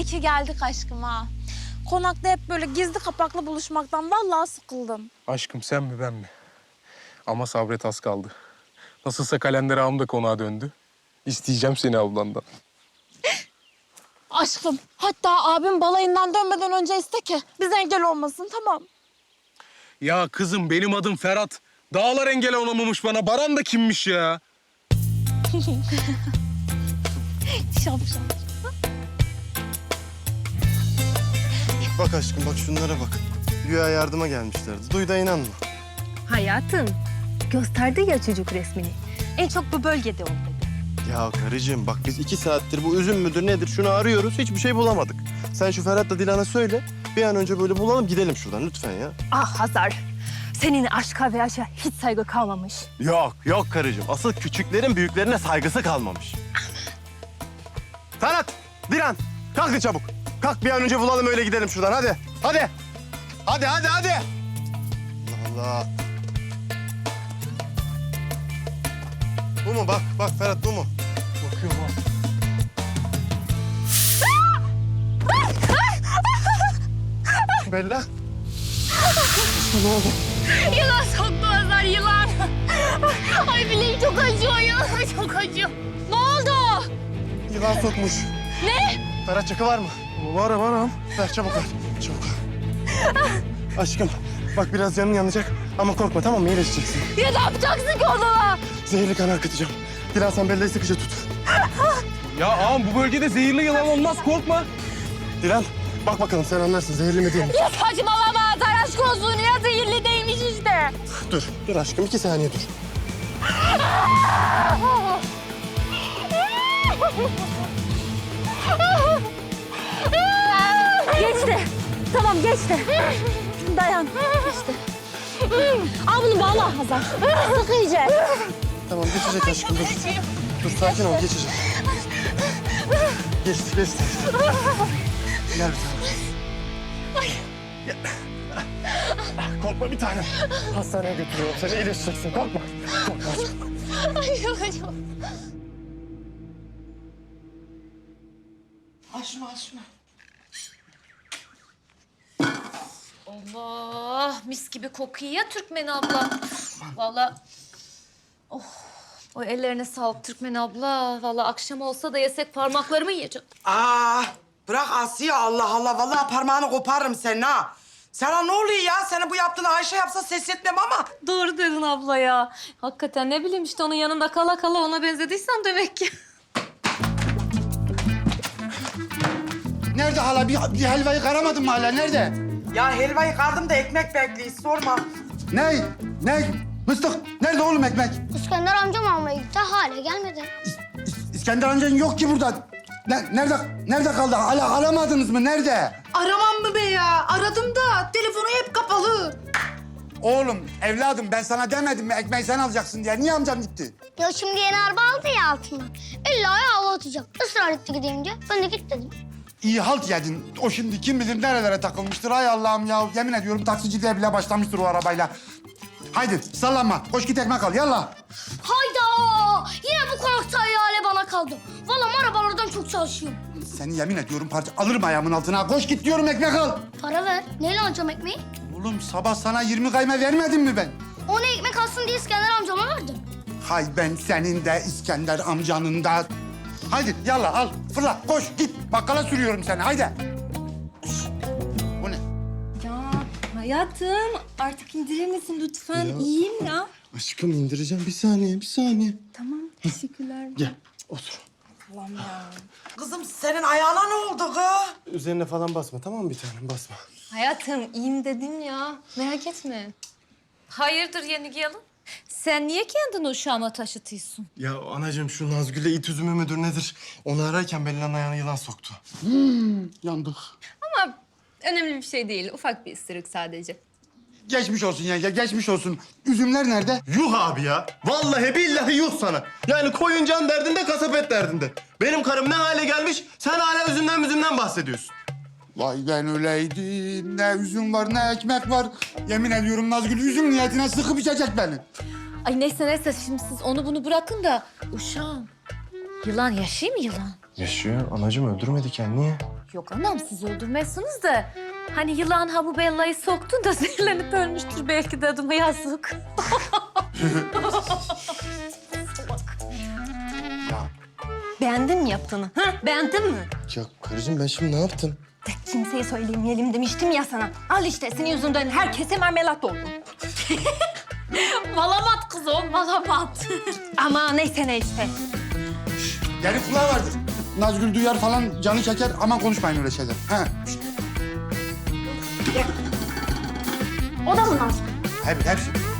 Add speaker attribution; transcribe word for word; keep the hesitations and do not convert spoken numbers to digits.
Speaker 1: İyi ki geldik aşkım ha. Konakta hep böyle gizli kapaklı buluşmaktan vallahi sıkıldım.
Speaker 2: Aşkım sen mi ben mi? Ama sabret az kaldı. Nasılsa kalender ağam da konağa döndü. İsteyeceğim seni ablandan.
Speaker 1: Aşkım hatta abim balayından dönmeden önce iste ki biz engel olmasın, tamam.
Speaker 2: Ya kızım benim adım Ferhat. Dağlar engel olamamış bana. Baran da kimmiş ya?
Speaker 1: Şap şap.
Speaker 3: Bak aşkım bak şunlara bak. Güya yardıma gelmişlerdi. Duy da inanma.
Speaker 4: Hayatım, gösterdi ya çocuk resmini. En çok bu bölgede ol dedi.
Speaker 3: Ya karıcığım bak biz iki saattir bu üzüm müdür nedir şunu arıyoruz. Hiçbir şey bulamadık. Sen şu Ferhat'la Dilan'a söyle. Bir an önce böyle bulalım gidelim şuradan lütfen ya.
Speaker 4: Ah Hazar, senin aşka ve yaşa hiç saygı kalmamış.
Speaker 3: Yok yok karıcığım. Asıl küçüklerin büyüklerine saygısı kalmamış. Ferhat, Dilan kalkın çabuk. Kalk bir an önce bulalım öyle gidelim şuradan hadi. Hadi. Hadi hadi hadi. Allah Allah. Bu mu bak bak Ferhat bu mu?
Speaker 2: Bakıyorum ha.
Speaker 3: Bella.
Speaker 4: Yılan soktu Hazar, yılan. Ay bileğim çok acıyor ya, çok acıyor. Ne oldu?
Speaker 3: Yılan sokmuş.
Speaker 4: Ne?
Speaker 3: Ferhat çakı var mı?
Speaker 2: Var var ağam.
Speaker 3: Ver çabuk ver. Çabuk. Aşkım bak biraz canın yanacak ama korkma tamam mı? İyileşeceksin.
Speaker 4: Ya ne yapacaksın ki onunla?
Speaker 3: Zehirli kan akıtacağım. Dilan sen Bella'yı sıkıca tut.
Speaker 2: Ya ağam bu bölgede zehirli yılan olmaz, korkma.
Speaker 3: Dilan bak bakalım sen anlarsın zehirli mi değil mi?
Speaker 4: Ya saçmalama Hazar, aşk olsun ya, zehirli değilmiş işte.
Speaker 3: Dur, dur aşkım iki saniye dur.
Speaker 4: Geçti. Tamam geçti. Dayan. Geçti. Al bunu bağla Hazar. Sık iyice.
Speaker 3: Tamam geçecek aşkım dur. Dur sakin ol geçecek. Geçti geçti. Gel bir tane. Gel. Korkma bir tane. Hastaneye götürüyorum seni iyileşeceksin korkma. Korkma aşkım.
Speaker 4: Ay çok acıyor.
Speaker 5: Al şunu, al şunu.
Speaker 6: Allah, mis gibi kokuyor ya Türkmen abla. Vallahi, oh, o ellerine sağlık Türkmen abla. Vallahi akşam olsa da yesek parmaklarımı yiyeceğim.
Speaker 5: Aa, bırak Asiye Allah Allah. Vallahi parmağını koparırım senin ha. Sana ne oluyor ya? Senin bu yaptığını Ayşe yapsa ses etmem ama.
Speaker 6: Doğru dedin abla ya. Hakikaten ne bileyim işte onun yanında kala kala ona benzediysem demek ki.
Speaker 7: Nerede hala? Bir, bir helvayı karamadın mı hala? Nerede?
Speaker 5: Ya helvayı kardım da ekmek bekliyor. Sorma.
Speaker 7: Ne? Ne? Mıstık. Nerede oğlum ekmek?
Speaker 8: İskender amcam almaya gitti, hala gelmedi.
Speaker 7: İs- İskender amcan yok ki burada. Ne, nerede, nerede kaldı? Hala aramadınız mı? Nerede?
Speaker 9: Aramam mı be ya? Aradım da telefonu hep kapalı.
Speaker 7: Oğlum, evladım ben sana demedim mi ekmeği sen alacaksın diye. Niye amcam gitti?
Speaker 8: Ya şimdi yeni araba aldı ya altından. İlla hava atacak. Israr etti gideyim diye. Ben de git dedim.
Speaker 7: İyi halt yedin. O şimdi kim bilir nerelere takılmıştır. Hay Allah'ım ya. Yemin ediyorum taksiciliğe bile başlamıştır o arabayla. Haydi sallanma. Koş git ekmek al. Yallah.
Speaker 8: Hayda! Yine bu konakta ihale bana kaldı. Vallahi arabalardan çok çalışıyorum.
Speaker 7: Seni yemin ediyorum parça alırım ayağımın altına. Koş git diyorum ekmek al.
Speaker 8: Para ver. Neyle alacağım ekmeği?
Speaker 7: Oğlum sabah sana yirmi kayma vermedim mi ben?
Speaker 8: Onu ekmek alsın diye İskender amcama verdim.
Speaker 7: Hay ben senin de İskender amcanın da. Haydi yallah al fırla koş git bakkala sürüyorum seni haydi. Bu ne?
Speaker 4: Ya hayatım, artık indirir misin lütfen? İyiyim ya.
Speaker 3: Aşkım indireceğim bir saniye bir saniye.
Speaker 4: Tamam, teşekkürler.
Speaker 3: Gel otur.
Speaker 5: Kızım senin ayağına ne oldu kız?
Speaker 3: Üzerine falan basma tamam mı bir tanem basma.
Speaker 6: Hayatım iyiyim dedim ya. Merak etme. Hayırdır yeni gelin? Sen niye kendini uşağıma taşıtıyorsun?
Speaker 3: Ya anacığım şu Nazgül'le it üzümü müdür nedir? Onu ararken Bella'nın ayağına yılan soktu.
Speaker 7: Yandık.
Speaker 4: Ama önemli bir şey değil, ufak bir ısırık sadece.
Speaker 7: Geçmiş olsun yenge geçmiş olsun. Üzümler nerede?
Speaker 3: Yuh abi ya. Vallahi billahi yuh sana. Yani koyun can derdinde kasap et derdinde. Benim karım ne hale gelmiş sen hala üzümden üzümden bahsediyorsun.
Speaker 7: Vay ben öyleydim. Ne üzüm var ne ekmek var. Yemin ediyorum Nazgül üzüm niyetine sıkıp içecek beni.
Speaker 6: Ay neyse neyse şimdi siz onu bunu bırakın da uşağım. Yılan yaşıyor mu yılan?
Speaker 3: Yaşıyor anacığım öldürmedi kendini. Niye?
Speaker 6: Yok anam siz öldürmezsiniz de. Hani yılan ha bu Bella'yı soktun da zehirlenip ölmüştür belki dedim yazık.
Speaker 10: Beğendin mi yaptığını? Ha? Beğendin mi?
Speaker 3: Ya karıcığım ben şimdi ne yaptım?
Speaker 10: De kimseye söylemeyelim demiştim ya sana. Al işte senin yüzünden herkese marmelat oldu.
Speaker 6: Malamat kız o malamat.
Speaker 10: Ama neyse neyse.
Speaker 7: Geri kulağı vardır. Nazgül duyar falan canı çeker. Aman konuşmayın öyle şeyler. Ha.
Speaker 8: O da mı Nazlı?
Speaker 7: Hep, hepsi.